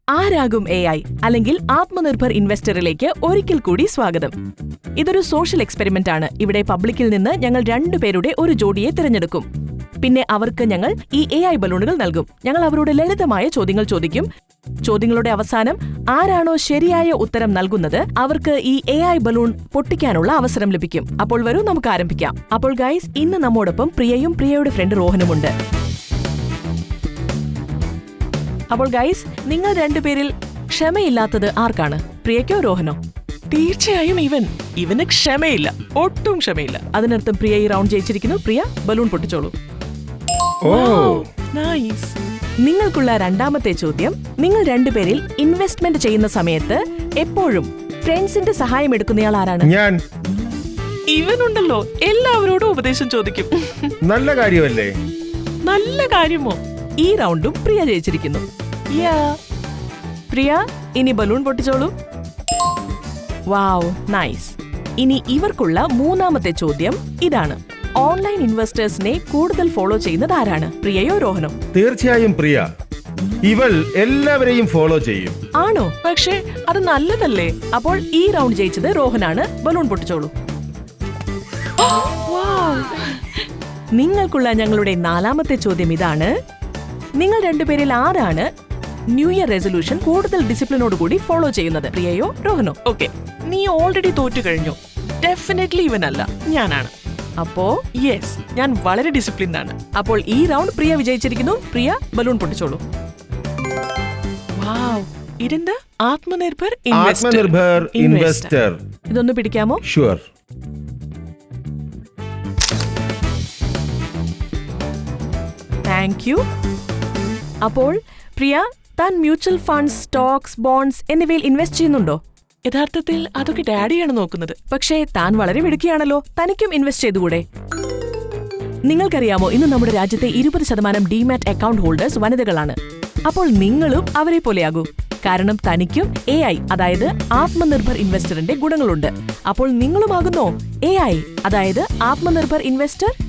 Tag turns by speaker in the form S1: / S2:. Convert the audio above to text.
S1: ആരാകും AI അല്ലെങ്കിൽ ആത്മനിർഭർ ഇൻവെസ്റ്ററിലേക്ക് ഒരിക്കൽ കൂടി സ്വാഗതം. ഇതൊരു സോഷ്യൽ എക്സ്പെരിമെന്റ് ആണ്. ഇവിടെ പബ്ലിക്കിൽ നിന്ന് ഞങ്ങൾ 2 പേരുടെ ഒരു ജോഡിയെ തിരഞ്ഞെടുക്കും. പിന്നെ അവർക്ക് ഞങ്ങൾ ഈ AI ബലൂണുകൾ നൽകും. ഞങ്ങൾ അവരോട് ലളിതമായ ചോദ്യങ്ങൾ ചോദിക്കും. ചോദ്യങ്ങളുടെ അവസാനം ആരാണോ ശരിയായ ഉത്തരം നൽകുന്നത് അവർക്ക് ഈ AI ബലൂൺ പൊട്ടിക്കാനുള്ള അവസരം ലഭിക്കും. അപ്പോൾ വരൂ, നമുക്ക് ആരംഭിക്കാം. അപ്പോൾ ഗൈസ്, ഇന്ന് നമ്മോടൊപ്പം പ്രിയയും പ്രിയയുടെ ഫ്രണ്ട് റോഹനുമുണ്ട്. അപ്പോൾ ഗൈസ്, നിങ്ങൾ 2 പേരിൽ ക്ഷമയില്ലാത്തത് ആർക്കാണ്? പ്രിയയ്ക്കോ റോഹനോ?
S2: തീർച്ചയായും ഇവന് ക്ഷമയില്ല, ഒട്ടും ക്ഷമയില്ല.
S1: അതിനർത്ഥം പ്രിയ ഈ റൗണ്ട് ജയിച്ചിരിക്കുന്നു. പ്രിയ, ബലൂൺ പൊട്ടിച്ചോളൂ.
S2: നൈസ്.
S1: നിങ്ങൾക്കുള്ള രണ്ടാമത്തെ ചോദ്യം: നിങ്ങൾ 2 പേരിൽ ഇൻവെസ്റ്റ്മെന്റ് ചെയ്യുന്ന സമയത്ത് എപ്പോഴും ഫ്രണ്ട്സിന്റെ സഹായം എടുക്കുന്നയാൾ ആരാണ്?
S3: ഞാൻ.
S2: ഇവനുണ്ടല്ലോ, എല്ലാവരോടും ഉപദേശം ചോദിക്കും.
S3: നല്ല കാര്യമല്ലേ?
S2: നല്ല കാര്യമോ?
S1: ഈ റൗണ്ടും പ്രിയ ജയിച്ചിരിക്കുന്നു. പ്രിയ, ഇനി ബലൂൺ പൊട്ടിച്ചോളൂ. വാവ്, നൈസ്. ഇനി ഇവർക്കുള്ള മൂന്നാമത്തെ ചോദ്യം ഇതാണ്: ഓൺലൈൻ ഇൻവെസ്റ്റേഴ്സിനെ കൂടുതൽ ഫോളോ ചെയ്യുന്നത് ആരാണ്? പ്രിയയോ റോഹനോ?
S3: തീർച്ചയായും പ്രിയ. ഇവൾ എല്ലാവരെയും ഫോളോ ചെയ്യും.
S1: ആണോ?
S2: പക്ഷേ അത് നല്ലതല്ലേ?
S1: അപ്പോൾ ഈ റൗണ്ട് ജയിച്ചത് റോഹനാണ്. ബലൂൺ പൊട്ടിച്ചോളൂ. നിങ്ങൾക്കുള്ള ഞങ്ങളുടെ 4ാമത്തെ ചോദ്യം ഇതാണ്: നിങ്ങൾ 2 പേരിൽ ആരാണ് ന്യൂ ഇയർ റെസൊല്യൂഷൻ കൂടുതൽ ഡിസിപ്ലിനോടുകൂടി ഫോളോ ചെയ്യുന്നത്? പ്രിയയോ റോഹനോ?
S2: ഓക്കെ, നീ ഓൾറെഡി തോറ്റു കഴിഞ്ഞു. ഡെഫിനറ്റ്ലി ഇവനല്ല, ഞാനാണ്.
S1: അപ്പോ
S2: യെസ്, ഞാൻ വളരെ ഡിസിപ്ലിൻഡ് ആണ്.
S1: അപ്പോൾ ഈ റൗണ്ട് പ്രിയ വിജയിച്ചിരിക്കുന്നു. പ്രിയ, ബലൂൺ പൊട്ടിച്ചോളൂ.
S2: വാവ്, ഇതെന്താ? ആത്മനിർഭർ
S3: ഇൻവെസ്റ്റർ.
S1: ഇതൊന്ന് പിടിക്കാമോ?
S3: ഷുവർ.
S1: Thank you. അപ്പോൾ പ്രിയ, താൻ മ്യൂച്വൽ ഫണ്ട്സ്, സ്റ്റോക്സ്, ബോണ്ട്സ് എന്നിവയിൽ ഇൻവെസ്റ്റ് ചെയ്യുന്നുണ്ടോ?
S2: യഥാർത്ഥത്തിൽ അതൊക്കെ ഡാഡിയാണ് നോക്കുന്നത്.
S1: പക്ഷേ താൻ വളരെ മിടുക്കിയാണല്ലോ. തനിക്കും ഇൻവെസ്റ്റ് ചെയ്തുകൂടെ? നിങ്ങൾക്കറിയാമോ, ഇന്ന് നമ്മുടെ രാജ്യത്തെ 20% ഡിമാറ്റ് അക്കൗണ്ട് ഹോൾഡേഴ്സ് വനിതകളാണ്. അപ്പോൾ നിങ്ങളും അവരെ പോലെയാകൂ. കാരണം തനിക്കും AI, അതായത് ആത്മനിർഭർ ഇൻവെസ്റ്ററിന്റെ ഗുണങ്ങളുണ്ട്. അപ്പോൾ നിങ്ങളുമാകുന്നോ AI, അതായത് ആത്മനിർഭർ ഇൻവെസ്റ്റർ?